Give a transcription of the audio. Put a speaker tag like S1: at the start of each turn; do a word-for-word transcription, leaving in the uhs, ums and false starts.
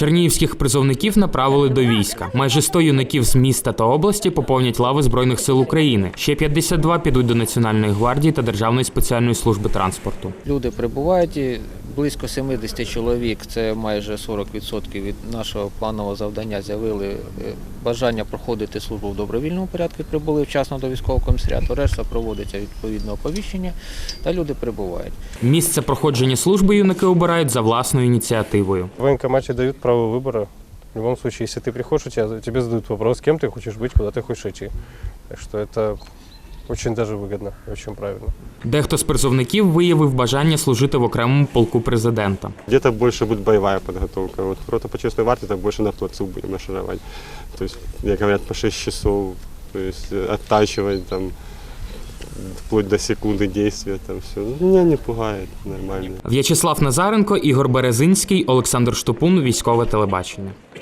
S1: Чернігівських призовників направили до війська. Майже сто юнаків з міста та області поповнять лави Збройних сил України. Ще п'ятдесят два підуть до Національної гвардії та Державної спеціальної служби транспорту.
S2: Люди прибувають, близько сімдесят чоловік, це майже сорок відсотків від нашого планового завдання, з'явили бажання проходити службу в добровільному порядку, прибули вчасно до військового комісаріату, решта проводиться відповідне оповіщення та люди прибувають.
S1: Місце проходження служби юнаки обирають за власною ініціативою.
S3: В военкомате дают право выбора. В любом случае, если ты приходишь, у тебя, тебе задают вопрос, кем ты хочешь быть, куда ты хочешь идти. Так что это очень даже выгодно, очень правильно.
S1: Дехто з призовників виявив бажання служити в окремому полку президента.
S4: Где-то больше будет боевая подготовка. Вот рота по честной варте, так больше на плацу будем маршировать. То есть, как говорят, по шесть часов, то есть оттачивать там вплоть до секунды действия, там все. Меня не пугает, нормально.
S1: В'ячеслав Назаренко, Ігор Березинський, Олександр Штопун, Військове телебачення.